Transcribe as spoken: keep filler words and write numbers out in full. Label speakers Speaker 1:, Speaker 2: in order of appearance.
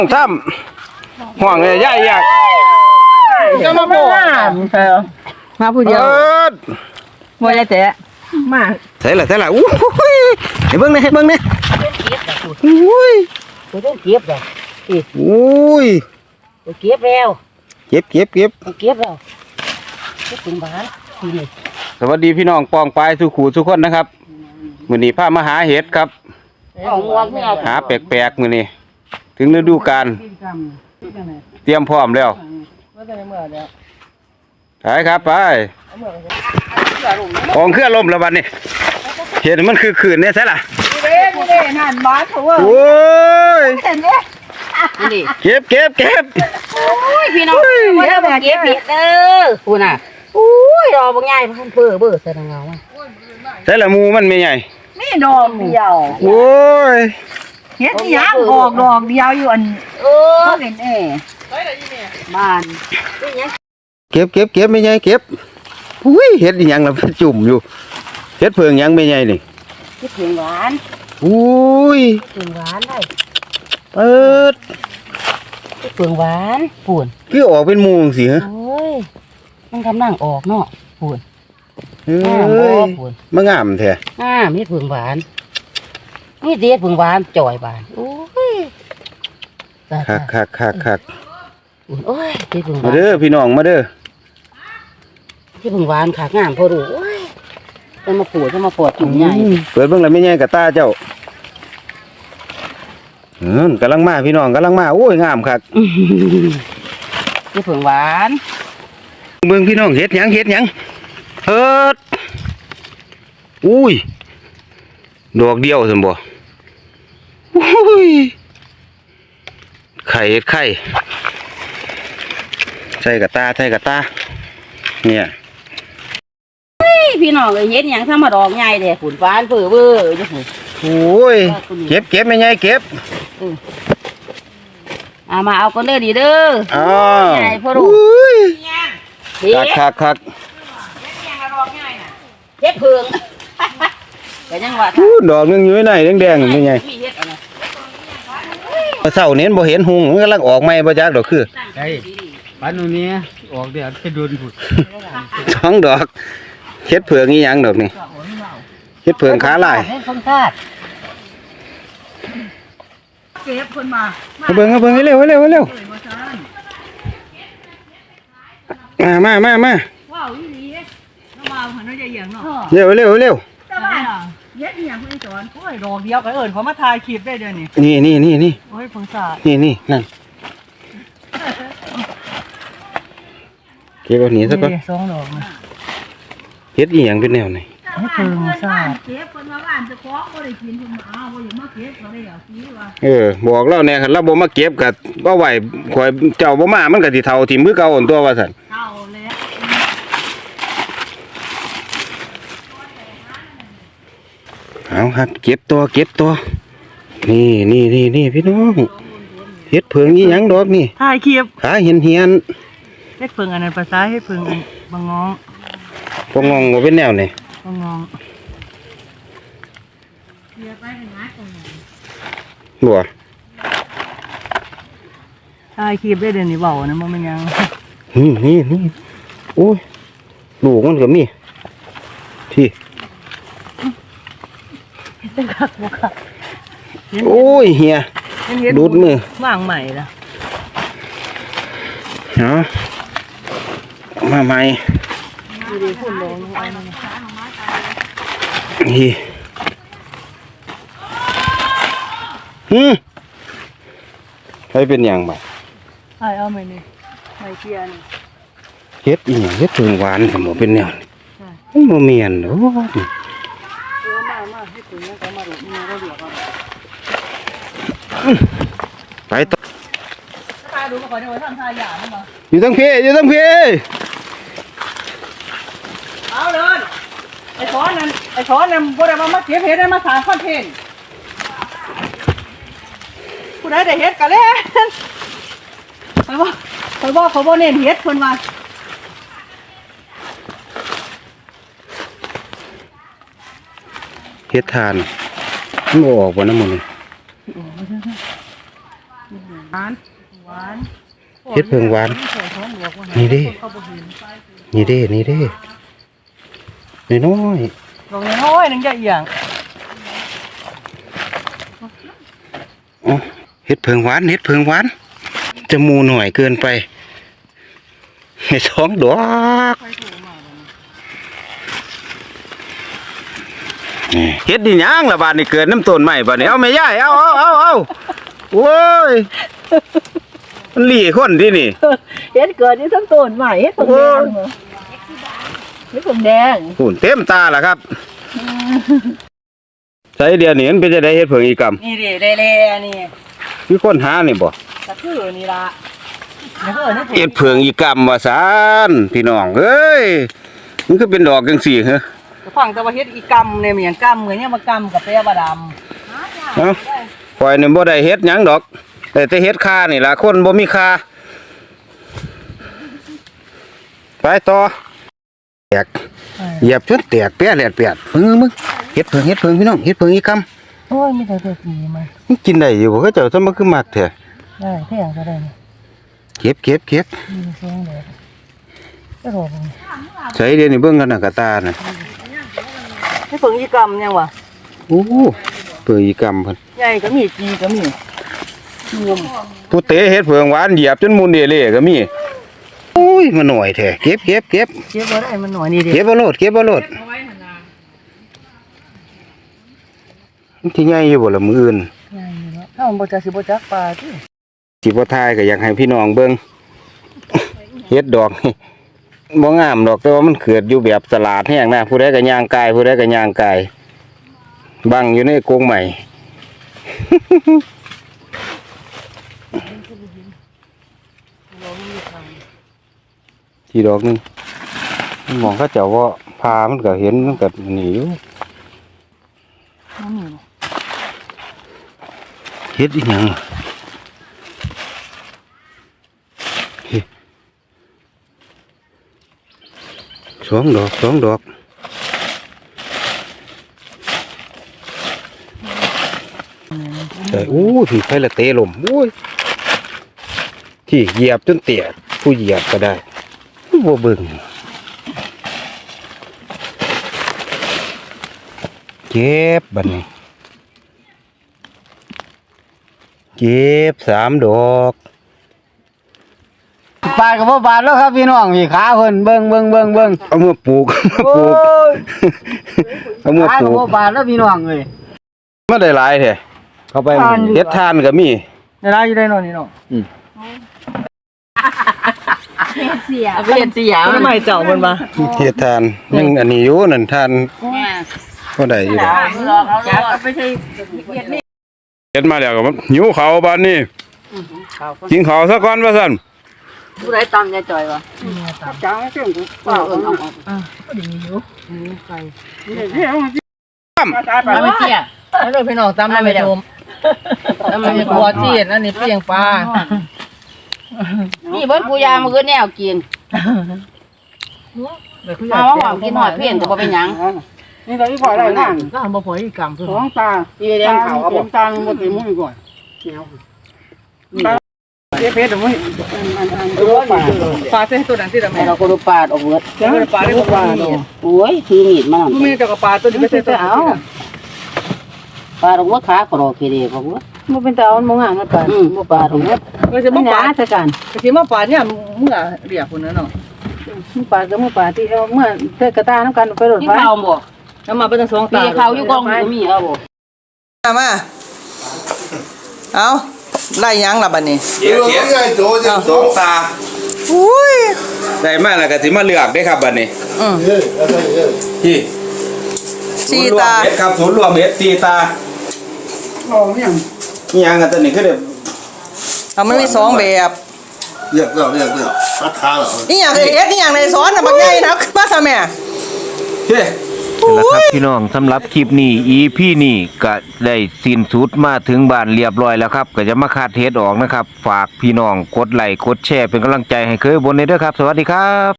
Speaker 1: ซ้ำห่วงเลยย่าอยาก
Speaker 2: จะมาบอกมาผู้เดียวบ่ได้แต่มา
Speaker 1: ใส่ละใส่ละอู้ยให้เบิ่งนี่ให้เบิ่งนี่อุ้ย
Speaker 3: ตัวต้องเก็บเลย
Speaker 1: อุ้ย
Speaker 3: ตัวเก็บแล้ว
Speaker 1: เก็บเก็บเก็บ
Speaker 3: เก็บแล้วเก็บถึงบ้านนี่
Speaker 1: สวัสดีพี่น้องปองปลายสุขูทุกคนนะครับมื้อนี้พามาหาเห็ดครับหาแปลกๆมื้อนี้ถึงฤดูกาลเตรียมพร้อมแล้วไปครับไปของเครื่องลมแล้วบัดนี้เห็ดมันคือขืนเนี่ยใช่ล่ะ
Speaker 2: เด้นี่เด้นั่นบ้านเขาว่า
Speaker 1: โอ้ย
Speaker 2: เห็นมั้ย
Speaker 3: นี่
Speaker 1: เก็บเก็บเก็บ
Speaker 3: โอ้ยพี่น้องบ่ได้บ่เก็บผิดเด้อคุณน่ะโอ้ยรอบ่ง่ายเพิ่นเพ้อเบ้อใส่เงาอ่ะ
Speaker 1: ใช่ละมูมันไม่ใหญ่
Speaker 2: นี่ดอกเดียว
Speaker 1: โอ้ย
Speaker 2: เฮ็ดนี่ยังออกดอกเดียวอยู่อันเออเห็นเอ๋บ้าน
Speaker 1: เก็บเก็บเก็บไม่ใหญ่เก็บอุ้ยเห็ดยังล่ะจุ่มอยู่เห็ดเพิงยังไม่ใหญ่นี่
Speaker 3: เฮ็ดเพิงหวาน
Speaker 1: อุ้ย
Speaker 3: เพิงหวานได้
Speaker 1: เปิด
Speaker 3: เฮ็ดเพิงหวานปูน
Speaker 1: คือออกเป็นมูจังซี่ฮะ
Speaker 3: โอ้ยมันกำลังออกเนาะปูน
Speaker 1: เอ้ยมางามแท้
Speaker 3: อ่ามีเพิงหวานนี่เด็ดเพิงหวานจ่อยบานโอ้ย
Speaker 1: คักคักคักคัก
Speaker 3: โอ้ยเด็ดเพิงหวาน
Speaker 1: มาเด้อพี่น้องมาเด้อ
Speaker 3: ที่เพิงหวานขากงามพอดูโอ้ยจะมาปวดจะมาปวดจุ่มใหญ่
Speaker 1: เปิดเบิ่งแล้วไม่ใหญ่กับตาเจ้าเออกำลังมาพี่น้องกำลังมาโอ้ยงามคัก
Speaker 3: ที่เพิงหวาน
Speaker 1: เบิ่งพี่น้องเฮ็ดหยังเฮ็ดหยังเฮ็ดอุ้ยดอกเดียวซั่นบ่อุ้ยไข่เฮ็ดไข่ใส่กับตาใส่กับตาเนี่ย
Speaker 3: พี่น้องเลยเฮ็ดหยังถ้ามาดอกใหญ่เด้ฝุ่นฟ้านเปื้อเบ้อจังซี่
Speaker 1: โอ้ยเก็บเก็บไม่ใหญ่เก็บ
Speaker 3: อ่ามาเอากันเด้อดีเด้อ
Speaker 1: อ๋อ
Speaker 3: ใหญ่พ่อลูก
Speaker 1: คักคักคัก
Speaker 3: เฮ็ดเพิงก็ยังว่า
Speaker 1: ดอกนึงอยู่ไหนแดงๆนี่ไงเศร้าเน้นบ่เห็นหุงมันกำลังออกใหม่บ่จักดอกคือ
Speaker 4: ใช่ปานนี้ออกเดี๋ยวจะโดนผุด
Speaker 1: สองดอกเฮ็ดเผือกนี่ยังดอกนี่เฮ็ดเผือกขาลาย
Speaker 2: เก็บคนมา
Speaker 1: เบิ่งเบิ่งให้เร็วให้เร็วให้เร็วมามามามา
Speaker 2: ว้าวอีหลีน้ำมาหันน้อยใหญ่เหยียงเนาะ
Speaker 1: เร็วเร็วเร็ว
Speaker 2: เฮ็ดอีหยังเพิ่นสอนโอ้ยดอกเดียวก็เอิ้นเขามาถ่ายคลิปได้เด้อ
Speaker 1: นี่นี่นี่นี่
Speaker 2: โอ้ยเพิ่งสาด
Speaker 1: นี่นี่นั่นเก็บเอาหนีซะก่อน
Speaker 2: สองดอกนะ
Speaker 1: เฮ็ดอีหยังเป็นแนวไหน
Speaker 2: ให้เพิ่งสาดเก็บเพิ่นว่าบ้านจะของบ่ได้กินเพิ่นมาเอาบ่อย่ามาเก็บก็ได้เอาสิว่า
Speaker 1: เออบอกแล้วแน่คันเราบ่มาเก็บก็บ่ไหวข่อยเจ้าบ่มามันก็สิเฒ่าทิ่มคือเก่าอันตัวว่าซั่น
Speaker 2: เฒ่าแล้ว
Speaker 1: เอาครับเก็บตัวเก็บตัวนี่นี่นี่นี่พี่น้องเฮ็ดเพิงอีหยังดอกนี่
Speaker 2: ถ่ายคลิป
Speaker 1: ขาเหียนเหียน
Speaker 2: เฮ็ดเพิงอันนั้นภาษาเฮ็ดเพิงอันบางงอง
Speaker 1: บ่งองบ่เป็นแนวนี่
Speaker 2: บางงอง
Speaker 1: บัว
Speaker 2: ถ่ายคลิปได้เดี๋ยวนี้เบานะมันมันยัง
Speaker 1: นี่นี่นี่โอ้ยลูกมันก็มีที่โอ้ยเฮียดูดมือ
Speaker 2: วางใหม่ละ
Speaker 1: เนาะมาใหม่นี่ฮึใครเป็นอย่างบ่
Speaker 2: ไอ้เอาไหมนี่ไม่เทียน
Speaker 1: เฮ็ดอีหยังเฮ็ดเพิงหวานสมบ่เป็นแนวนี่บ่แม่นโอ้ยไปต่ออยู่ตั้งพี่อยู่ตั้งพี่
Speaker 2: เอาเลยไอ้ช้อนนั่นไอ้ช้อนนั่นบ่ได้มามาเก็บเห็ดได้มาสร้างคอนเทนต์ผู้ใดได้เห็ดกันเลยไปบ่ไปบ่เขาบ่เน้นเห็ดเพิ่นว่า
Speaker 1: เฮ็ดทานมันออกบ่น้ำมันนี่เฮ็ดเพิงหวานนี่เด้นี่เด้นี่เด้น้อย
Speaker 2: ดอกน้อยนึงจะเอียง
Speaker 1: ๆอ๋อเฮ็ดเพิงหวานเฮ็ดเพิงหวานจะมูหน่อยเกินไปให้สองดอกเฮ็ดดิหยังล่ะบาดนี้เกิดน้ำต้นใหม่บาดนี้เอาแม่ยายเอาเอาเอาเอาโอ้ยมันหลีคนที่นี่
Speaker 2: เฮ็ดเกิดนี่ทั้งต้นใหม่เฮ็ดผงแดงเฮ็ดผงแดง
Speaker 1: หุ่นเต็มตาล่ะครับใส่เดียวนี้มันเป็นจะได้เฮ็ดเพิงอีกรรม
Speaker 2: นี่ดิได้แลนี่
Speaker 1: มีคนหานี่บ่
Speaker 2: ก็คือนี่ล่ะแล้วก็นี่
Speaker 1: เฮ็ดเพิงอีกรรมว่าซานพี่น้องเอ้ยมันคือเป็นดอกจังซี่เหรอ
Speaker 2: ฟังแต่ว่าเฮ็ดอีกำเนี่ยมันหยังกำเหมือนเนี่ยมากำกับแปรบดำ
Speaker 1: เอ้าปล่อยนี่บ่ได้เฮ็ดหยังดอกแต่แต่เฮ็ดค่านี่ล่ะคนบ่มีค่าไปต่อแตกเหยียบจนแตกแปะแหลดแปดมึงมึงเฮ็ดเพิงเฮ็ดเพิงพี่น้องเฮ็ดเพิงอีกรรม
Speaker 2: โอ้ยมีแต่ตัวดีมา
Speaker 1: มันกินได้อยู่บ่เขาเจ้าซะมันคือมักแท้
Speaker 2: ได้แพงก็ได้นี่
Speaker 1: เก็บเก็บเก็บ
Speaker 2: มีเสียงเลยก็รอบ่
Speaker 1: ใส่เดี๋ยวนี้เบิ่งกันน่ะกะตาน่ะ
Speaker 2: ให้เพิ่งอีกำยังวะ
Speaker 1: โอ้เพิงอีกรรมเพิ่น
Speaker 2: ใหญ่ก็มีจีก็มีงม
Speaker 1: ผู้เตะเฮ็ดเพิงหวานเหยียบจนมุนเดเล่ก็มีโอ้ยมาหน่อยแท้เก็บเก็บเก็บ
Speaker 2: เก็บบ่ได้มันหน่อยนี่ดิ
Speaker 1: เก็บบ่โลดเก็บบ่โลดมันสิใหญ่อยู่บ่ล่ะมื้ออื่น
Speaker 2: ใหญ่อยู่เนาะถ้ามันบ่จักสิบ่จักปลาติ
Speaker 1: สิบ่ทายก็อยากให้พี่น้องเบิ่งเฮ็ดดอกนี่บ่งามดอกแต่ว่ามันเกิดอยู่แบบสลาดแห้งนะผู้ใดก็ย่างกายผู้ใดก็ย่างกายบังอยู่ในกรงใหม่ ทีดอกหนึงมันมองเขาเจ้าว่าพามันก็เห็นมันก็หนีอยู่
Speaker 2: มันมี
Speaker 1: เฮ็ดอีหยังเฮ้สองดอกสองดอกแต่อู้ถือไฟละเตะลมโอ้ยที่เหยียบจนเตียผู้เหยียบก็ได้บ่เบิ่งเก็บบัดนี้เก็บสามดอกปลากับพ่อบาทแล้วครับพี่น้องพี่ขาเพิ่นเบิ่งเบิ่งเบิ่งเบิ่งเอามาปลูกเอามาปลูกเอามาปลูก
Speaker 2: บ่บาทแล้วพี่น้องเอ้ย
Speaker 1: มาได้หลายแท้เข้าไปเฮ็ดทานก็มี
Speaker 2: ได้หลายอยู่ได้เนาะนี่เนาะ
Speaker 3: เสีย
Speaker 2: เอาไปเรียนเสียมันใหม่เจ้าเพิ่นมา
Speaker 1: เฮ็ดทานยังอันนี้อยู่นั่นทาน
Speaker 3: แม่
Speaker 1: บ่ได้อยู่ดอก
Speaker 3: ลอกเอาลอกไม่ใช่เฮ็ดนี่
Speaker 1: เฮ็ดมาแล้วก็หิวข้าวบัดนี้กินข้าวซะก่อนว่าซั่น
Speaker 3: ผู้ใดตำยายจ่อยวะจ้าไม่ถึงกูเปล่าเออเอาเอา
Speaker 2: เอาไปเสียเอาเลยพี่น้องตำแล้วไม่ชมตำไม่กลัวที่อันนี้เปียงปลา
Speaker 3: นี่เบิดกูยามื้อแนวกินเอาหอมกินหอดเพี้ยนก็บ่เป็นหยัง
Speaker 2: นี่ก็อีพอได้นั่นก็บ่พออีกกำคือของตา
Speaker 3: อีแดงเขาเอาบ่
Speaker 2: ตาบ่ติมุ่งก่อนเจ๊เพชรมึงปลาเส้นตัวนั้นที่ทำไม
Speaker 3: ให้เราก็ดูปาดออกเบิด
Speaker 2: เจ้าปลาได้บ่ปลาเนาะ
Speaker 3: โอ้ยถือมีดมา
Speaker 2: กูมีแต่กับปลาตัวนี้ไปเส้นตัวเอา
Speaker 3: ปาดออกเบิดขาก็รอเคเดบ่เบิด
Speaker 2: บ่เป็นตามันบ่งามนะปลา
Speaker 3: อืมบ่ปาดออกเบิด
Speaker 2: ก็จะบ่ปลา
Speaker 3: ซะกัน
Speaker 2: ก็สิมาปลาเนี่ยเมื่อเรียกพุ่นน่ะเนาะมึงปลาก็มึงปลาที่เอาเมื่อเตกระตาน้ำกันไปรถ
Speaker 3: กิน
Speaker 2: ไฟ
Speaker 3: ข้าวบ่
Speaker 2: แล้วมาเป็นสองตา
Speaker 3: มีข้าวอยู่กองก็มีเอาบ่
Speaker 2: มามาเอาไล่ยังล่ะบัดนี้
Speaker 1: เดี๋ยวเดี๋ยวสองตา
Speaker 2: อุ้ย
Speaker 1: ได้มาแล้วก็สิมาเลือกได้ครับบัดนี้
Speaker 2: อืม
Speaker 1: พี่
Speaker 2: สี่ตา
Speaker 1: ศูนย์รวมเฮ็ดครับศูนย์รวมเฮ็ดสี่ตาอ๋อมีหยังมีหยังกันตัวนี้คือเด้
Speaker 2: เอามันมีสองแบบ
Speaker 5: เรียกเรียกเรียกเรียกพัดขาเหรอ
Speaker 2: นี่อย่างเอ็ดนี่อย่างในสอนน่ะบักใหญ่นะมาซะแม่
Speaker 1: เฮ้แล้วครับพี่น้องสำหรับคลิปนี้ อี พี นี้ก็ได้สิ้นสุดมาถึงบ้านเรียบร้อยแล้วครับก็จะมาคาดเทสออกนะครับฝากพี่น้องกดไลค์กดแชร์เป็นกำลังใจให้เคยบนนี้ด้วยครับสวัสดีครับ